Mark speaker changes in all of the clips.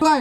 Speaker 1: ด้วย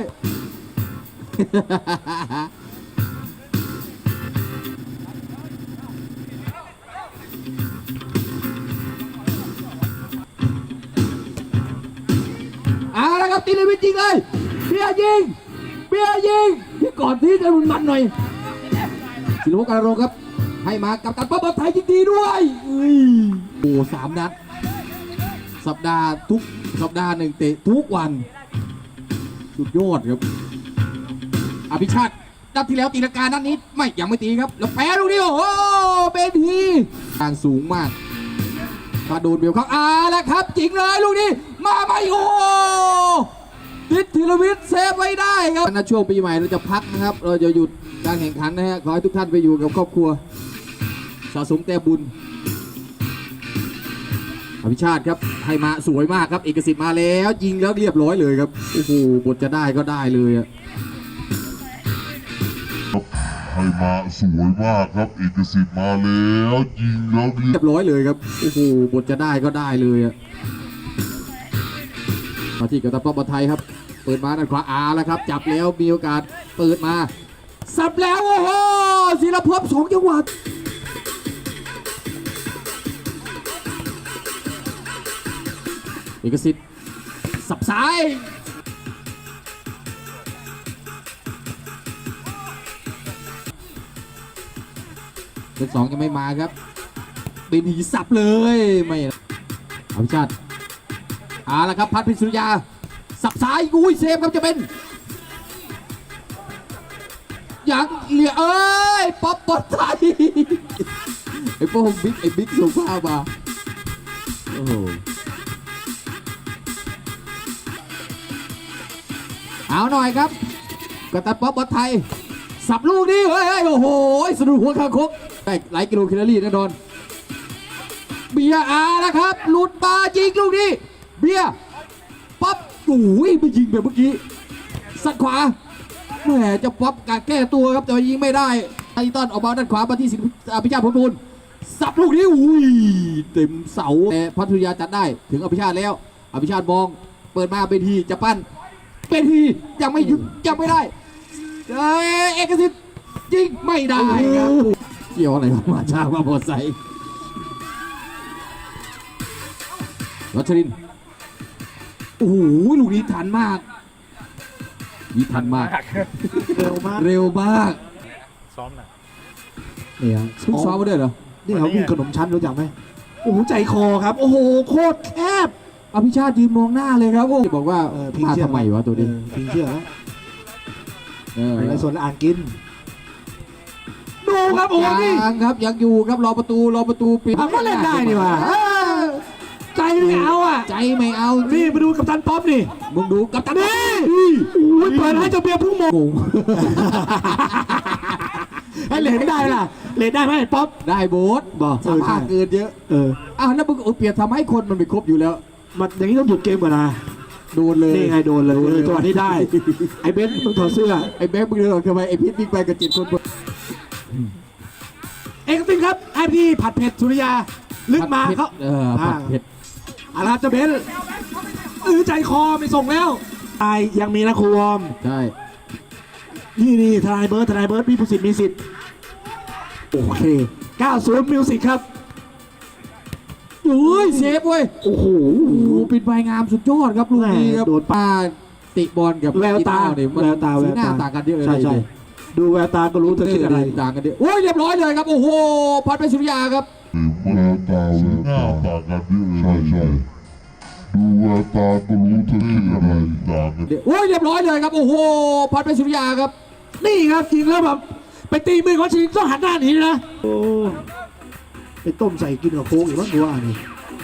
Speaker 1: เอาละครับตีเลวิทยิงเลยเบียร์ยิงที่ก่อนที่จะรุนมันหน่อยศิลปการโรงครับให้มากับตันป๊อปไทยยิงดีด้วยโอ้3 นัดสัปดาห์ทุกสัปดาห์หนึ่งเตะทุกวันสุดยอดครับอภิชาตินัดที่แล้วตีลังกานัดนี้ยังไม่ตีครับแล้วแพ้ลูกนี้โอ้โหเป็นทีทางสูงมากมาโดนเบลเขาแล้วครับจริงเลยลูกนี้มาไม่โอ้ติดธีรวิทย์เซฟไว้ได้ครับในช่วงปีใหม่เราจะพักนะครับเราจะหยุดการแข่งขันนะฮะขอให้ทุกท่านไปอยู่กับครอบครัวสะสมแต้มบุญอภิชาติครับให้มาสวยมากครับเอกสิทธิ์มาแล้วยิงแล้วเรียบร้อยเลยครับโอ้โหบทจะได้ก็ได้เลยอะ
Speaker 2: ให้มาสวยมากครับเอกสิทธิ์มาแล้วยิงแล้วเรียบ
Speaker 1: ร้อยเลยครับโอ้โหบทจะได้ก็ได้เลยอะมาที่กัปตันป๊อปไทยครับเปิดมาด้านขวาแล้วครับจับแล้วมีโอกาสเปิดมาสับแล้วโอ้โหศิลภพ2 จังหวัดเอกสิทธิ์สับซ้ายเป็น2ยังไม่มาครับบินหีสับเลยไม่อภิชาติแล้วครับพัดพิสุริยาสับซ้ายอุ้ยเซฟครับจะเป็นยังเหลือป๊อปไทยไอ้พวกบิ๊กส่งภาพมาโอ้โหเอาหน่อยครับกัปตันป๊อปไทยสับลูกนี้เฮ้ยโอ้โหสะดุดหัวคางคกได้หลายกิโลแคลอรี่แน่นอนเบียร์นะครับหลุดมายิงลูกนี้เบียร์ป๊อปโอ้ยไปยิงแบบเมื่อกี้สัดขวาแหมจะป๊อปการแก้ตัวครับแต่ยิงไม่ได้ไทตันออกมาด้านขวามาที่อภิชาติพลบุญสับลูกนี้อุ้ยเต็มเสาแต่พัทยาจัดได้ถึงอภิชาติแล้วอภิชาติมองเปิดมาเป็นทีจะปั้นเป็นทียังไม่หยุดยังไม่ได้เอกสิทธิ์ยิงไม่ได้ครับเกี่ยวอะไรมาช้ามาพอใส่รัชรินโอ้โหลูกนี้ทันมากทันมากเร็วมาก
Speaker 3: ซ้อมนะ
Speaker 1: เนี่ยเพิ่งซ้อมมาด้วยเหรอ
Speaker 4: นี่เขาวิ่งขนมชั้นรู้จักไหมโอ้โหใจคอครับโอ้โหโคตรแคบ
Speaker 1: อภิชาติยืนมองหน้าเลยครับบอกว่ามาทำไมวะตัวนี้
Speaker 4: พิงเชื่อแล้วในส่วนอ่านกินดูครับโอ้ย
Speaker 1: ครับยังอยู่ครับรอประตูปิด
Speaker 4: ก็เล่นได้นี่ว่ะใจไม่เอา
Speaker 1: ใจไม่เอา
Speaker 4: นี่มาดูกัปตันป๊อปนี่
Speaker 1: มึงดูกัปตัน
Speaker 4: นี่เปิดให้เจ้าเบียร์พุ่งมงให้เลนได้ล่ะเลนได้ไหมป๊อป
Speaker 1: ได้โบ๊ทสามารถเกินเยอะแล้วมึงเปลี่ยนทำให้คนมันไปครบอยู่แล้ว
Speaker 4: มันอย่างนี้ต้องหยุดเกมก่อนนะ
Speaker 1: โดนเลย
Speaker 4: นี่ไงโดนเลยตัวนี้ได้ไอ้เบนมึงถอดเสื้อ
Speaker 1: ไอ้เบนมึงเดินออกทำไมไอ้พิษบิ๊กไปกับ7 คน
Speaker 4: เอกสิทธิ์ครับไอ้พี่ผัดเผ็ดสุริยาลึกมาเขา
Speaker 1: ผัดเผ็ด
Speaker 4: อะไรเจ้าเบนใจคอไม่ส่งแล้วไอ้ยังมีนะครูวอม
Speaker 1: ใช่
Speaker 4: นี่ทนายเบิร์ดมีผู้สิทธิ์มีสิทธิ์โอเค90มิวสิกครับ
Speaker 1: เซฟเว้ย
Speaker 4: โอ้โห
Speaker 1: ปิดใบงามสุดยอดครับลูกนี้ครับโดดป้าติบอลกับ
Speaker 4: แววตา
Speaker 1: สีหน้าต่างกันเยอะเลย
Speaker 4: ใช่ดูแววตาก็รู้เธอคิดอะไร
Speaker 1: ต่างกันเยอะโอ้ยเรียบร้อยเลยครับโอ้โหพัดไปสุริยาครับ
Speaker 2: แววตาสีหน้าต่างกันเยอะใช่ดูแววตาก็รู้เธอคิดอะไรต่างกัน
Speaker 1: โอ้ยเรียบร้อยเลยครับโอ้โหพัดไปสุริยาครับ
Speaker 4: นี่ครับจริงแล้วแบบไปตีมือเขาจริงต้องหันหน้าหนีนะโอ้ไปต้มใส่กินกับโค้กอีกมั้งกูว่านี่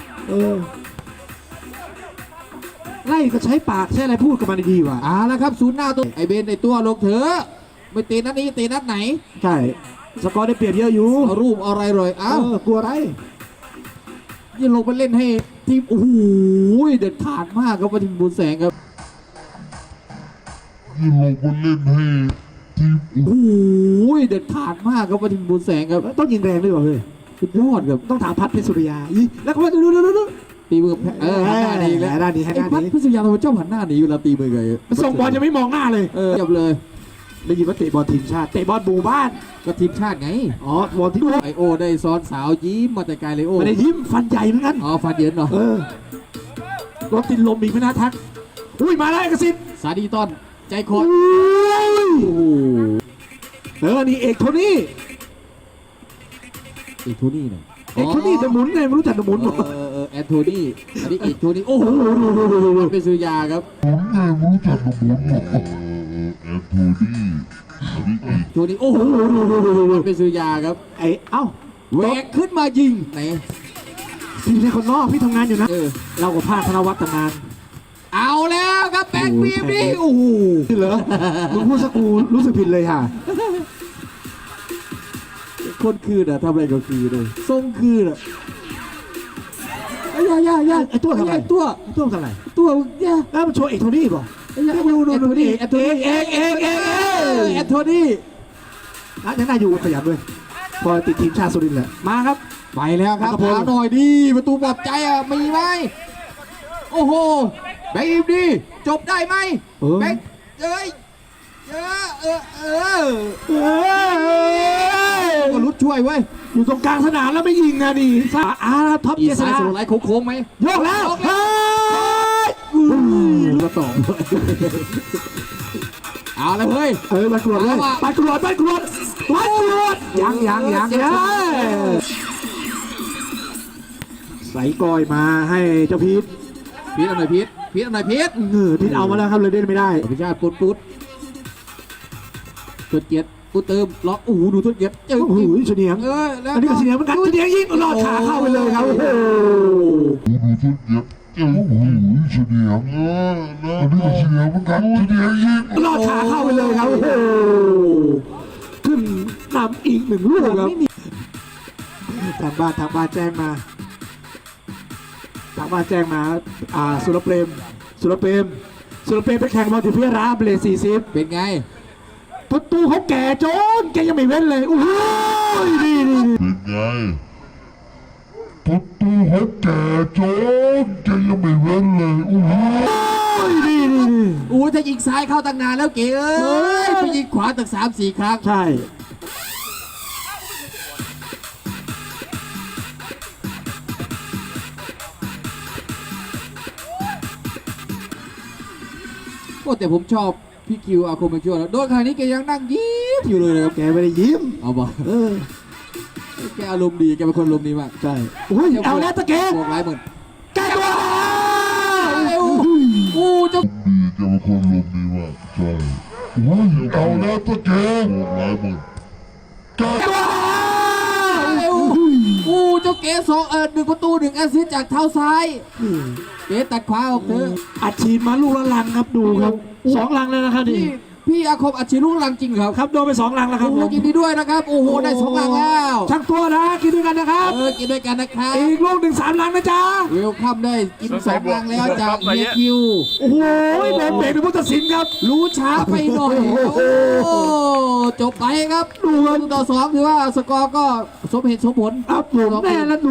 Speaker 4: ไล่ก็ใช้ปากใช้อะไรพูดกับมันดีว่ะ
Speaker 1: แล้วครับศูนย์หน้าตัวไอเบนในตัวลงเถอะไม่ตีนัดนี้ตีนัดไหน
Speaker 4: ใช่สกอร์ได้เปรียบเยอะอยู่
Speaker 1: รูปอะไรเลย
Speaker 4: กลัวอะไร
Speaker 1: ยังลงไปเล่นให้ทีมโอ้โหเด็ดขาดมากครับทีมบุญแสงครับ
Speaker 2: ยังลงไปเล่นให้ทีม
Speaker 1: โอ้โหเด็ดขาดมากครับทีมบุญแสงครับ
Speaker 4: ต้องยิงแรงด้วยวะเฮ้ย
Speaker 1: สุดยอดครับ
Speaker 4: ต้องถามพัดเพชรสุริยาแล้วก็ดู
Speaker 1: ตีมือหันหน้าหนีแล้ว
Speaker 4: หันหน้าหนีหันหน้าหนี
Speaker 1: ไอ้พัดพิษยาทำไมชอบหันหน้าหนีเวลาตีมือไง
Speaker 4: ส่งบอลยังไม่มองหน้าเลย
Speaker 1: เรียบเลย
Speaker 4: ได้ยินว่าเตะบอลทีมชาติเตะบอลหมู่บ้าน
Speaker 1: ก็ทีมชาติไง
Speaker 4: อ๋อบอลที่
Speaker 1: ไอโอได้ซ้อนสาวยิ้มมาแต่ไกลเลยโอ
Speaker 4: ไม่ได้ยิ้มฟันใหญ่เหมือนกัน
Speaker 1: อ๋อฟันเย็นเหรอ
Speaker 4: รถติดลมอีกไม่น่าทักอุ้ยมาแล้วเอกสิทธิ์
Speaker 1: สาดีต้อนใจคอ
Speaker 4: อุ้
Speaker 1: ด
Speaker 4: ย
Speaker 1: โอ้โห
Speaker 4: นี่เอกโทนี่
Speaker 1: เอกโทนี่เนี่ย
Speaker 4: เอกโทนี่เดอะหมุนไงไม่รู้จักเดอะหมุนหรอ
Speaker 1: แอนโทนี่อันนี้เอกโทนี่โอ้โหเป็นสุริยาครับ
Speaker 2: ผมไงไม่รู้จักระบบแอนโทนี่อันนี้อีก
Speaker 1: โทนี่โอ้โหเป็นสุริยาครับ
Speaker 4: เอ้า
Speaker 1: แหวกขึ้นมายิงไหน
Speaker 4: พี่ในคนนอกพี่ทำงานอยู่นะ
Speaker 1: เออ
Speaker 4: เรากับภาคธนวัฒน์ทำงาน
Speaker 1: เอาแล้วครับแบงค์บีมนี่โอ้โห
Speaker 4: นี่เหรอมึงพูดสักกูรู้สึกผิดเลยค่ะ
Speaker 1: คนคืนอะทำอะไรก็คือเลยทรงคืนอะอย่า
Speaker 4: ไอ้ตัวทำไม
Speaker 1: ไอ้ตัว
Speaker 4: ตัวทำไม
Speaker 1: ตัวอย่า
Speaker 4: แล้วมันโชว์เอกโทนี่ป่ะ
Speaker 1: ดูนี่แอนโทนี่
Speaker 4: เอก
Speaker 1: แอนโทนี่
Speaker 4: ยังน่าอยู่ขยันด้วยพอติดทีมชาติสุรินทร์แหละมาครับ
Speaker 1: ไปแล้วครับ
Speaker 4: อัครพล
Speaker 1: หาหน่อยดีประตูปลอบใจอะมีไหมโอ้โหแบงค์บีมดีจบได้ไหมแบงค์เอ้ยก็รุดช่วยเว้ย
Speaker 4: อยู่ตรงกลางสนามแล้วไม่ยิงนะดิท็อป
Speaker 1: อี
Speaker 4: เจษ
Speaker 1: สาย
Speaker 4: ฎา
Speaker 1: สโลไลท์โค้งๆไหม
Speaker 4: ยกแล้ว
Speaker 1: กระสองเอาเลยเฮ้ย
Speaker 4: มากรวดเลยไปกรวดยังใส่กอยมาให้เจ้าพีท
Speaker 1: พีทเอาหน่อยพีทพีท
Speaker 4: พีทเอามาแล้วครับเลยเล่นไม่ได้
Speaker 1: อภิชาติปุ๊ดทดเกียรติปุ๊ดเติมล็อกโอ้โหดูทดเกียรติเจอ
Speaker 4: โอ้โหเฉนียง
Speaker 1: แล้ว
Speaker 4: อันนี้ก็เฉนียงเหมือนกันเฉนียงยิงลอดขาเข้าไปเลยครับโอ้โห
Speaker 2: ดูทุกเย็บโอ้โหเฉียงอันนี้ก็เฉียงเหมือนกันเฉียงยิง
Speaker 4: ลอดขาเข้าไปเลยครับโอ้โหขึ้นนำอีก1 ลูกครับทางบ้านแจ้งมาสุรเปรมไปแข่งบอลที่พิราบเลย40
Speaker 1: เป็นไง
Speaker 4: ประตูเขาแก่โจนแกยังไม่เว้นเลยโอ้โหนี่
Speaker 2: เป็นไงประตูเขาแก่โจนแกยังไม่เว้นเลยโอ้โห
Speaker 4: นี่
Speaker 1: อู้ถ้ายิงซ้ายเข้าตั้งนานแล้วเก๋เอ้ยไปยิงขวาตั้ง3-4 ครั้ง
Speaker 4: ใช่
Speaker 1: โอ้แต่ผมชอบพี่คิวอาคมมาช่วยแล้วโดนคราวนี้แกยังนั่งยิ้มอยู่เลยนะครับ
Speaker 4: แกไม่ได้ยิ้ม
Speaker 1: เอาบอกแกอารมณ์ดีแกเป็นคนอารมณ์ดีมาก
Speaker 4: ใช่โอ้ยเอาแล้วตะเกง
Speaker 1: บวกหลายหมื่น
Speaker 4: แกตัว
Speaker 1: อู้เจ้า
Speaker 2: ดีจะเป็นคนลมดีมากใช่โอ้ยเอาแล้วตะแกงบอกหลายหมื่น
Speaker 1: อู้เจ้าเก๋1 ประตู 1 แอสซิสต์จากเท้าซ้ายเก๋ตัดขวาออกเถอะ
Speaker 4: อัดฉีดมาลูกละลังครับดูครับ2 ลังแล้วนะครับนี่
Speaker 1: พี่อาคมอัดฉีดลูกลังจริงครับ
Speaker 4: ครับโดนไป2 ลังแล้วครั
Speaker 1: โอ้
Speaker 4: บ
Speaker 1: โหยินดีด้วยนะครับโอ้โหได้2 ลังแล้ว
Speaker 4: ช่างตัวนะกินด้วยกันนะครับ
Speaker 1: กินด้วยกันนะครับ
Speaker 4: อีกลูก1 3 ลังนะจ๊ะ
Speaker 1: เวลคัมได้กิน2 ลังแล้วจากเฮียคิว
Speaker 4: โอ้โหโดนเบรกเป็นผู้ตัดสินครับ
Speaker 1: รู้ช้าไปหน่อยโอ้จบไปครับดูกันต่อ 2ถือว่าสกอร์ก็สมเหตุสมผล
Speaker 4: ครับผมแน่แล้ว